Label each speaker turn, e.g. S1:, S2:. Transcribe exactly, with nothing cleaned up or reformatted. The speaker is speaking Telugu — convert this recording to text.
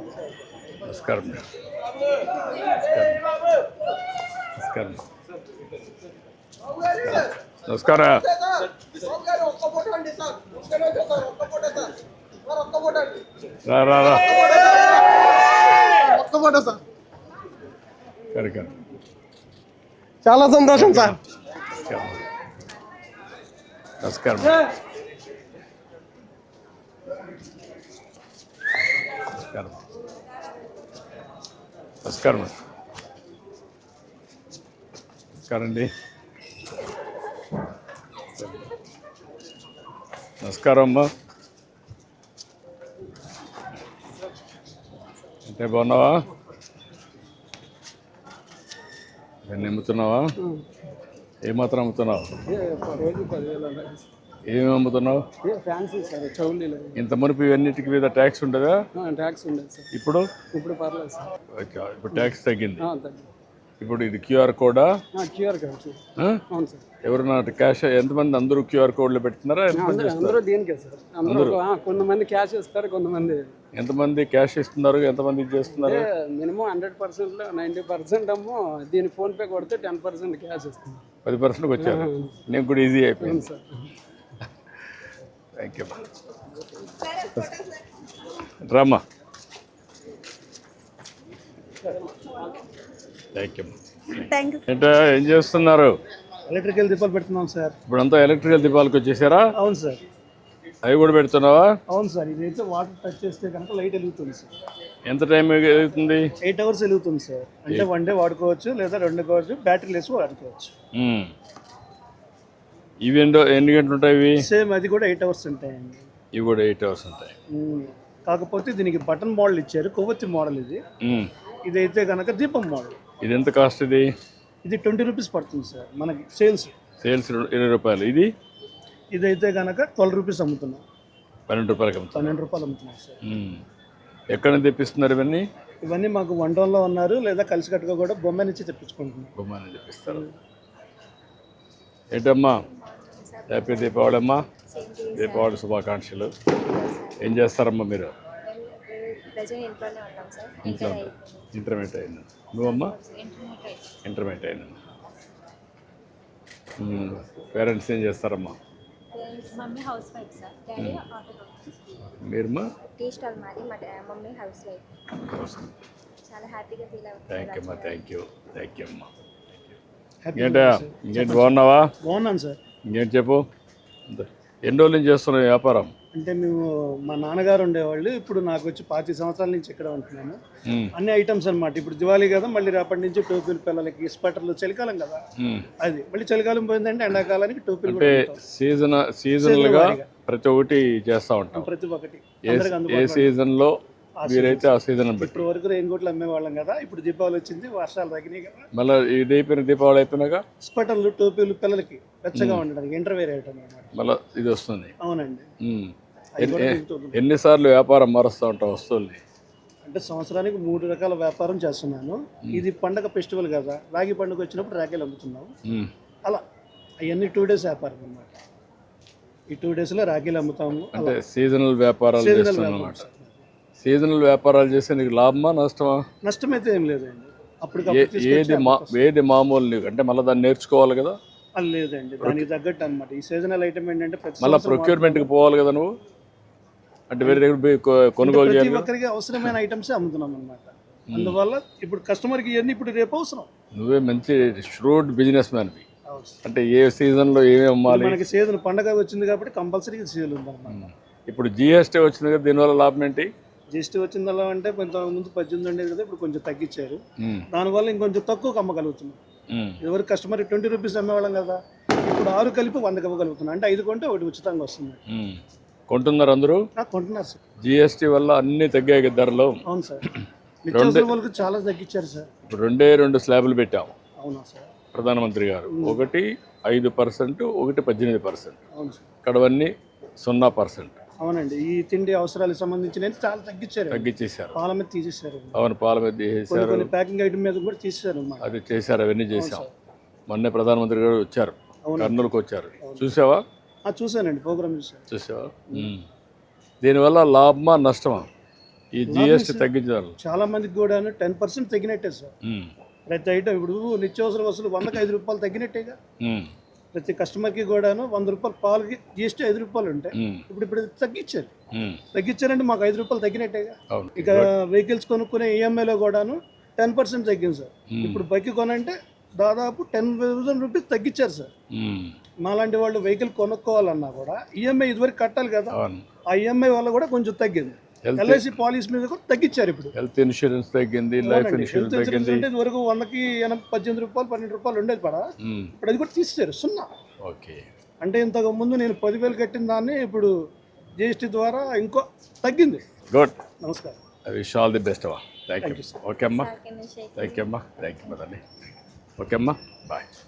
S1: నమస్కారం. నమస్కారం. నమస్కారం. రా రా రా కరెక్ట్.
S2: చాలా సంతోషం సార్.
S1: నమస్కారం. నమస్కారం. నమస్కారం. నమస్కారం అండి. నమస్కారం అమ్మా. అంటే బాగున్నావా? ఇవన్నీ అమ్ముతున్నావా? ఏమాత్రం అమ్ముతున్నావు? ఏమేమి అమ్ముతున్నావు? ఇంత మునుపు ఇవన్నిటికి మీద ట్యాక్స్ ఉండదా?
S2: ట్యాక్స్ ఉండదు సార్.
S1: ఇప్పుడు
S2: ఇప్పుడు పర్లేదు సార్.
S1: ఓకే, ఇప్పుడు ట్యాక్స్ తగ్గింది.
S2: తగ్గింది.
S1: ఇప్పుడు ఇది క్యూఆర్ కోడా?
S2: QR code sir. అవును సార్.
S1: ఎవరన్నా క్యాష్ ఎంతమంది? అందరూ క్యూఆర్ కోడ్లో పెడుతున్నారా?
S2: అందరూ దీనికే సార్. అందరూ కొంతమంది క్యాష్ ఇస్తారు, కొంతమంది.
S1: ఎంతమంది క్యాష్ ఇస్తున్నారు, ఎంతమంది ఇది చేస్తున్నారు?
S2: Minimum hundred percent ninety percent అమ్మో దీని ఫోన్పే కొడితే టెన్ పర్సెంట్ క్యాష్ ఇస్తుంది.
S1: పది పర్సెంట్కి వచ్చారు. నేను కూడా ఈజీ అయిపోయింది సార్. Thank you. రామ్మా. Thank you. ఏంటో ఏం చేస్తున్నారు?
S2: ఎలక్ట్రికల్ దీపాలు పెడుతున్నాం సార్.
S1: ఇప్పుడంతా ఎలక్ట్రికల్ దీపాలకు వచ్చేసారా?
S2: అవును సార్.
S1: అవి కూడా పెడుతున్నావా?
S2: అవును సార్. ఇదైతే వాటర్ టచ్ చేస్తే కనుక లైట్ వెలుగుతుంది సార్.
S1: ఎంత టైం వెలుగుతుంది?
S2: ఎయిట్ అవర్స్ వెలుగుతుంది సార్. అంటే వన్ డే వాడుకోవచ్చు లేదా రెండు కావచ్చు, బ్యాటరీ లెస్ వాడుకోవచ్చు.
S1: ఇవి ఎన్నో ఎన్ని గంటలు ఉంటాయి? ఇవి
S2: సేమ్ అది కూడా ఎయిట్ అవర్స్ ఉంటాయండి.
S1: ఇవి కూడా ఎయిట్ అవర్స్ ఉంటాయి.
S2: కాకపోతే దీనికి బటన్ మోడల్ ఇచ్చారు, కొవ్వొత్తి మోడల్ ఇది. ఇదైతే కనుక దీపం మోడల్.
S1: ఇది ఎంత కాస్ట్? ఇది
S2: ఇది ట్వంటీ రూపీస్ పడుతుంది సార్ మనకి సేల్స్.
S1: సేల్స్ ఇరవై రూపాయలు. ఇది
S2: ఇదైతే కనుక ట్వెల్వ్ రూపీస్ అమ్ముతున్నాం.
S1: పన్నెండు రూపాయలకి అమ్ముతాం.
S2: పన్నెండు రూపాయలు అమ్ముతున్నాం సార్.
S1: ఎక్కడ నుంచి తెప్పిస్తున్నారు ఇవన్నీ?
S2: ఇవన్నీ మాకు వన్ టౌన్లో ఉన్నారు, లేదా కలిసికట్టుగా కూడా బొమ్మ నుంచి తెప్పించుకుంటున్నాం.
S1: బొమ్మ నుంచి తెప్పిస్తారు. ఏంటమ్మా, హ్యాపీ దీపావళి అమ్మా. దీపావళి శుభాకాంక్షలు. ఏం చేస్తారమ్మా మీరు? ఇంట్లో ఇంటర్మీడియట్ అయినా నువ్వమ్మా? ఇంటర్మీడియట్ అయినా. పేరెంట్స్ ఏం చేస్తారమ్మా?
S3: Mummy house wife sir, daddy auto.
S1: మీరమ్మా?
S3: టీ స్టాల్ మాది, మా మమ్మీ హౌస్ వైఫ్. చాలా హ్యాపీగా ఫీల్ అవుతుంది.
S1: థ్యాంక్ యూ అమ్మా. Thank you. థ్యాంక్ యూ అమ్మా. ఇంకేంటా? ఇంకేంటి బాగున్నావా?
S2: బాగున్నాను సార్.
S1: ఇంకేంటి చెప్పు. ఎన్ని రోజుల నుంచి చేస్తున్నావు వ్యాపారం?
S2: అంటే మేము మా నాన్నగారు ఉండేవాళ్ళు, ఇప్పుడు నాకు వచ్చి పాతి సంవత్సరాల నుంచి ఇక్కడ ఉంటున్నాను. అన్ని ఐటమ్స్ అనమాట. ఇప్పుడు దివాళీ కదా, మళ్ళీ రేపటి నుంచి టోపీలు పిల్లలకి, స్వెటర్లు. చలికాలం కదా అది, మళ్ళీ చలికాలం పోయిందంటే ఎండాకాలానికి టోపీలు.
S1: అంటే సీజన్ సీజనల్ గా ప్రతి ఒక్కటి చేస్తా ఉంటాం.
S2: ప్రతి ఒక్కటి
S1: ఏ సీజన్ లో మీరైతే ఆ సీజన్
S2: ఇప్పుడు వరకు రెయిన్ కోట్లు అమ్మేవాళ్ళం కదా, ఇప్పుడు దీపావళి వచ్చింది, వర్షాలు తగ్గినాయి కదా.
S1: మళ్ళీ ఇది అయిపోయిన దీపావళి అయిపోయినాక
S2: స్వెటర్లు, టోపీలు పిల్లలకి వెచ్చగా ఉండడానికి ఇంటర్వేర్ ఐటమ్ అనమాట.
S1: మళ్ళీ ఇది వస్తుంది.
S2: అవునండి.
S1: ఎన్నిసార్లు వ్యాపారం మారుస్తూ ఉంటాం వస్తువుల్ని?
S2: అంటే సంవత్సరానికి మూడు రకాల వ్యాపారం చేస్తున్నాను. ఇది పండగ ఫెస్టివల్ కదా, రాగి పండుగ వచ్చినప్పుడు రాఖీలు అమ్ముతున్నాము. అలా అవన్నీ టూ డేస్ వ్యాపారం అనమాట. ఈ టూ డేస్ లో రాఖీలు అమ్ముతాము.
S1: అంటే సీజనల్ వ్యాపారాలు చేస్తున్నాం. సీజనల్ వ్యాపారాలు చేస్తే నీకు లాభమా నష్టమా?
S2: నష్టం అయితే ఏం లేదండి. అప్పుడు
S1: ఏది మా ఏది మామూలు నీకు అంటే మళ్ళీ దాన్ని నేర్చుకోవాలి కదా?
S2: అది లేదండి, దానికి తగ్గట్టు అనమాట. ఈ సీజనల్ ఐటమ్ ఏంటంటే
S1: మళ్ళీ ప్రొక్యూర్మెంట్కి పోవాలి కదా నువ్వు. అంటే వేరే దగ్గర కొనుగోలు చేయాలి.
S2: ప్రతి ఒక్కరికి అవసరమైన ఐటమ్స్ అమ్ముతున్నాం అనమాట. అందువల్ల ఇప్పుడు కస్టమర్కి ఇవన్నీ ఇప్పుడు రేపు అవసరం.
S1: నువ్వే మంచి ష్రూడ్ బిజినెస్ మ్యాన్వి. అంటే ఏ సీజన్లో ఏమేమి అమ్మాలి?
S2: మనకి సీజన్ పండగ వచ్చింది కాబట్టి కంపల్సరీ సీజన్ ఉందన్నమాట.
S1: ఇప్పుడు జిఎస్టీ వచ్చింది కదా, దీనివల్ల లాభం ఏంటి?
S2: జిఎస్టీ వచ్చిందల్లా అంటే కొంత ముందు పద్దెనిమిది ఉండేది కదా, ఇప్పుడు కొంచెం తగ్గించారు. దానివల్ల ఇంకొంచెం తక్కువ అమ్మగలుగుతున్నాం. ఎవరు కస్టమర్ ట్వంటీ రూపీస్ అమ్మేవాళ్ళం కదా, ఇప్పుడు ఆరు కలిపి వందకి ఇవ్వగలుగుతున్నాం. అంటే ఐదు కొంటే ఒకటి ఉచితంగా వస్తుంది.
S1: కొంటున్నారు అందరూ?
S2: కొంటున్నారు సార్.
S1: జిఎస్టీ వల్ల అన్ని తగ్గాయి ధరలు.
S2: అవును సార్. నిత్యావసర వాళ్ళకి చాలా తగ్గించారు సార్.
S1: ఇప్పుడు రెండే రెండు స్లాబులు పెట్టాము.
S2: అవునా సార్?
S1: ప్రధానమంత్రి గారు ఒకటి ఐదు పర్సెంట్, ఒకటి పద్దెనిమిది పర్సెంట్.
S2: అవును సార్.
S1: ఇక్కడవన్నీ సున్నా పర్సెంట్.
S2: అవునండి. ఈ తిండి అవసరాలకు సంబంధించిన చాలా తగ్గించారు.
S1: తగ్గించేశారు.
S2: పాల మీద తీసేశారు.
S1: అవును, పాల మీద తీసేశారు.
S2: ప్యాకింగ్ ఐటమ్ మీద కూడా తీసేశారు.
S1: అది చేశారు, అవన్నీ చేశాం. మొన్నే ప్రధానమంత్రి గారు వచ్చారు, కర్నూలుకు వచ్చారు. చూసావా?
S2: చూసానండి, ప్రోగ్రామ్ చూసాను.
S1: చూసావా? దీనివల్ల లాభమా నష్టమా? ఈ జిఎస్టీ తగ్గించారు.
S2: చాలా మందికి కూడా టెన్ పర్సెంట్ తగ్గినట్టే సార్.
S1: ఉమ్,
S2: ప్రతి ఐటమ్ ఇప్పుడు నిత్యావసర వస్తువులు వందకి ఐదు రూపాయలు తగ్గినట్టేగా.
S1: ఉమ్,
S2: ప్రతి కస్టమర్కి కూడాను వంద రూపాయలు పాలకి జిఎస్టీ ఐదు రూపాయలు ఉంటాయి.
S1: ఉమ్,
S2: ఇప్పుడు ఇప్పుడు తగ్గించారు.
S1: ఉమ్,
S2: తగ్గించారంటే మాకు ఐదు రూపాయలు తగ్గినట్టేగా.
S1: అవును.
S2: ఇక వెహికల్స్ కొనుక్కునే ఈఎంఐలో కూడాను టెన్ పర్సెంట్ తగ్గింది సార్. ఇప్పుడు బైక్ కొనంటే దాదాపు టెన్ థౌసండ్ రూపీస్ తగ్గించారు సార్.
S1: ఉమ్,
S2: మాలాంటి వాళ్ళు వెహికల్ కొనుక్కోవాలన్నా కూడా ఈఎంఐ ఇదివరకు కట్టాలి కదా.
S1: అవును.
S2: ఆ ఈఎంఐ వల్ల కూడా కొంచెం తగ్గింది.
S1: Health-
S2: ఎల్ఐసి పాలసీ మీద కూడా తగ్గించారు ఇప్పుడు.
S1: హెల్త్ ఇన్సూరెన్స్ తగ్గింది, లైఫ్
S2: హెల్త్
S1: ఇన్సూరెన్స్
S2: ఇన్సూరెన్స్
S1: తగ్గింది.
S2: అంటే ఇదివరకు వందకి ఎనభై పద్దెనిమిది రూపాయలు పన్నెండు రూపాయలు ఉండేది పడ.
S1: ఉమ్,
S2: ఇప్పుడు అది కూడా తీసేశారు, సున్నా.
S1: ఓకే.
S2: అంటే ఇంతకు ముందు నేను పదివేలు కట్టిన దాన్ని ఇప్పుడు జిఎస్టీ ద్వారా ఇంకో తగ్గింది.
S1: గుడ్.
S2: నమస్కారం.
S1: I wish all the best అమ్మా. Thank you. ఓకే అమ్మా.
S3: ఓకే,
S1: థ్యాంక్ యూ అమ్మా. థ్యాంక్ యూ మదండి. ఓకే అమ్మా, బాయ్.